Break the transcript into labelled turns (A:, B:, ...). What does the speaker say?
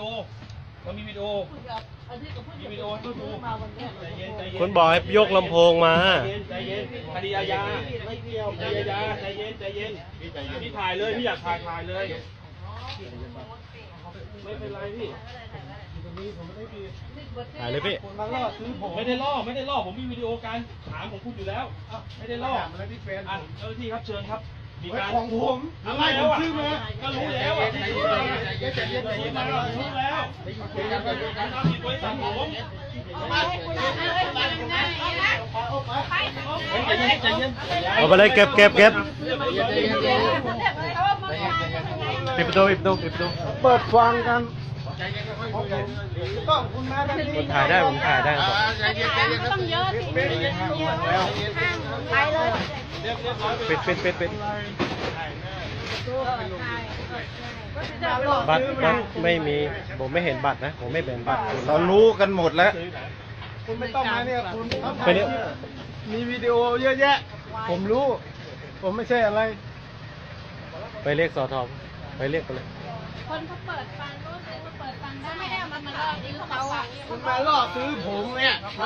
A: เรามีวิดีโอมีวิดีโอให้ดูใจเย็นใจเย็น
B: คุณบอกให้ยกลำโพงมา
A: ใจเย็นคดีอาญาไม่เกี่ยวคดีอาญาใจเย็นใจเย็นพี่ถ่ายเลยพี่อยากถ่ายเลยไม่เป็นไรพี่
B: ถ่ายเลยพี่
A: ไม่ได้ล่อผมมีวิดีโอการถามของคุณอยู่แล้วไม่ได้ล่อเจ้าหน้าที่ครับเชิญครับมีการของผมอะไรแล้วอ่ะก็รู้แล้วอ่ะรู้แล้วทำผิดบริษัทผม
B: เอาไปเลยเก็บปิดประตู
C: เปิดฟังกันต้องคุณมาแบบนี้
B: ผมถ่ายได้ผมถ่ายได้
D: ต้องเยอะสิไปเลย
B: ปิดบัตรไม่มีผมไม่เห็นบัตรนะผมไม่เป็นบัตร
C: เรารู้กันหมดแล้วคุณไม่ต้องมาเนี่ยคุณ
B: ไปเนี่ย
C: มีวิดีโอเยอะแยะผมรู้ผมไม่ใช่อะไร
B: ไปเรียกสอทอไปเรียกไปเลย
D: คนเขาเปิดฟังก็เปิดฟังได้ไม่ได้เอามันมาลอกซื้อเขาอ่ะ
C: คุณมาล่อซื้อผมเนี่ย